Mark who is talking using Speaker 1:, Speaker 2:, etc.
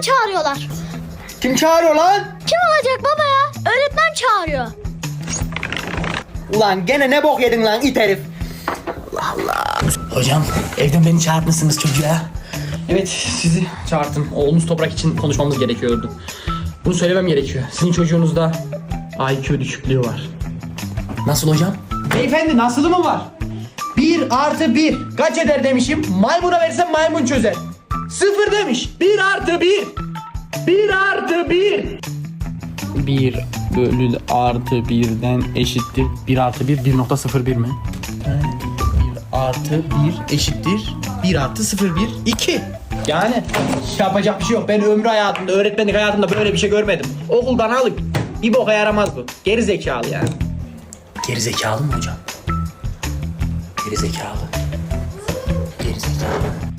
Speaker 1: çağırıyorlar.
Speaker 2: Kim çağırıyor lan?
Speaker 1: Kim olacak baba ya? Öğretmen çağırıyor.
Speaker 2: Ulan gene ne bok yedin lan it herif. Allah Allah.
Speaker 3: Hocam evden beni çağırtmışsınız çocuğa. Evet sizi çağırdım. Oğlunuz Toprak için konuşmamız gerekiyordu. Bunu söylemem gerekiyor. Sizin çocuğunuzda IQ düşüklüğü var. Nasıl hocam?
Speaker 4: Beyefendi nasılı mı var? 1 + 1 kaç eder demişim. Maymuna versem maymun çözer. 0 demiş. 1 + 1. 1 + 1.
Speaker 3: 1 bölü artı 1'den eşittir. 1 + 1 1.01 mi? 1 + 1 eşittir. 1 + 0 1 2.
Speaker 4: Yani yapacak bir şey yok. Ben ömrü hayatımda, öğretmenlik hayatımda böyle bir şey görmedim. Okuldan alın. Bir boka yaramaz bu. Geri zekalı yani.
Speaker 3: Geri zekalı mı hocam? Geri zekalı. Geri zekalı.